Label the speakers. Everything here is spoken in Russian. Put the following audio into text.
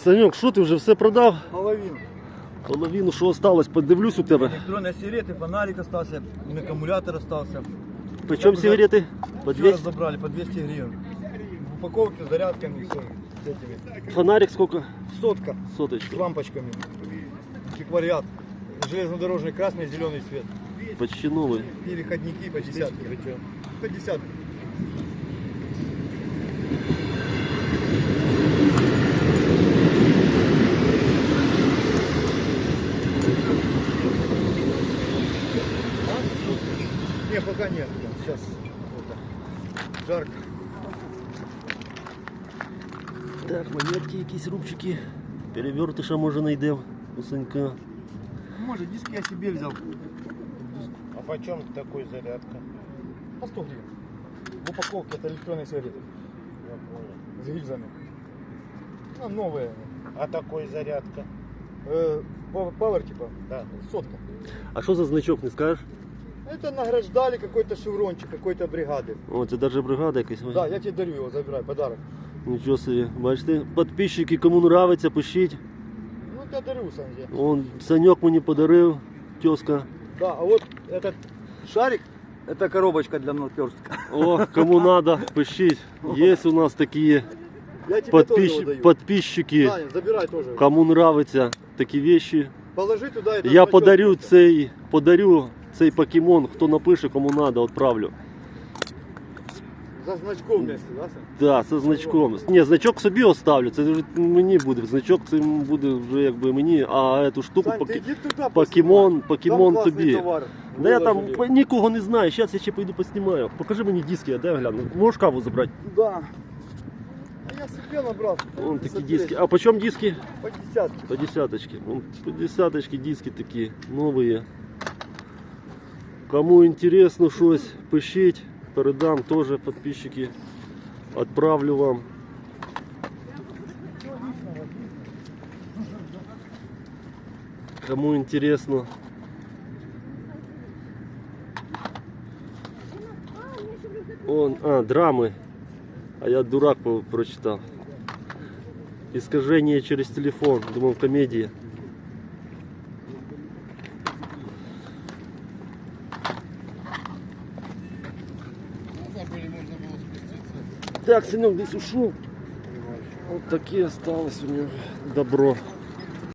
Speaker 1: Санек, що ти вже все продав?
Speaker 2: Половину.
Speaker 1: Половину, що осталось, подивлюсь у тебе.
Speaker 2: Электронные сигареты, фонарик остался, аккумулятор остался.
Speaker 1: Почем сигарети? По
Speaker 2: Все
Speaker 1: 200?
Speaker 2: разобрали, по 200 гривен. В упаковке с зарядками, все. С этими.
Speaker 1: Фонарик сколько?
Speaker 2: Сотка с
Speaker 1: Соточка.
Speaker 2: лампочками. Антиквариат. Железнодорожный красный, зеленый цвет.
Speaker 1: Почти новый.
Speaker 2: Переходники по десятке. По десятке. Не, пока нет. Сейчас это, жарко.
Speaker 1: Так, монетки, якісь рубчики. Перевертыша може знайдемо у Санька.
Speaker 2: Может, диски я себе взял.
Speaker 3: А почем такой зарядка?
Speaker 2: По 100 гривен. В упаковке это электронные сигареты.
Speaker 3: Я понял.
Speaker 2: С гильзами. Ну, новые.
Speaker 3: А такой зарядка?
Speaker 2: Power типа.
Speaker 3: Да.
Speaker 2: Сотка.
Speaker 1: А що за значок, не скажеш?
Speaker 2: Это награждали какой-то шеврончик, какой-то бригады.
Speaker 1: О, це навіть бригада якась.
Speaker 2: Да, я тебе дарю его, забирай, подарок.
Speaker 1: Нічого собі. Бачите, підписчики, кому нравиться, пишіть.
Speaker 2: Ну, я дарю, Саня.
Speaker 1: Он, Саньок мені подарив, тезка.
Speaker 2: Да, а вот этот шарик, это коробочка для наперстка.
Speaker 1: О, кому надо, пишіть. Є у нас такі
Speaker 2: Я тебе тоже его даю.
Speaker 1: підписчики.
Speaker 2: Саня, забирай тоже.
Speaker 1: Кому нравиться такі вещи.
Speaker 2: Положи туда этот
Speaker 1: Я
Speaker 2: значок.
Speaker 1: подарю цей покемон, хто напише, кому надо, відправлю.
Speaker 2: За значком вместе, да, Саня?
Speaker 1: Так, це значком. Ні, значок собі оставлю, це вже мені буде. Значок це буде вже якби мені, а цю штуку
Speaker 2: Сань, ты иди туда
Speaker 1: покемон
Speaker 2: поснимай. Там классный
Speaker 1: тобі.
Speaker 2: товар.
Speaker 1: Да я там
Speaker 2: Выложили.
Speaker 1: нікого не знаю, зараз я ще пойду поснімаю. Покажи мені диски, я дай гляну. Можеш каву забрати?
Speaker 2: Да. А я себе набрал.
Speaker 1: Вон такі
Speaker 2: Смотри,
Speaker 1: диски. А по чому диски?
Speaker 2: По десятке.
Speaker 1: По десяточке. Вон, по десяточке диски такі новые. Кому интересно щось, пишіть. Передам теж підписчики. Отправлю вам. Кому интересно. Драмы. А я дурак прочитал. Искажение через телефон. Думал, комедия. Так, Санек здесь ушел. Вот такие осталось у него добро.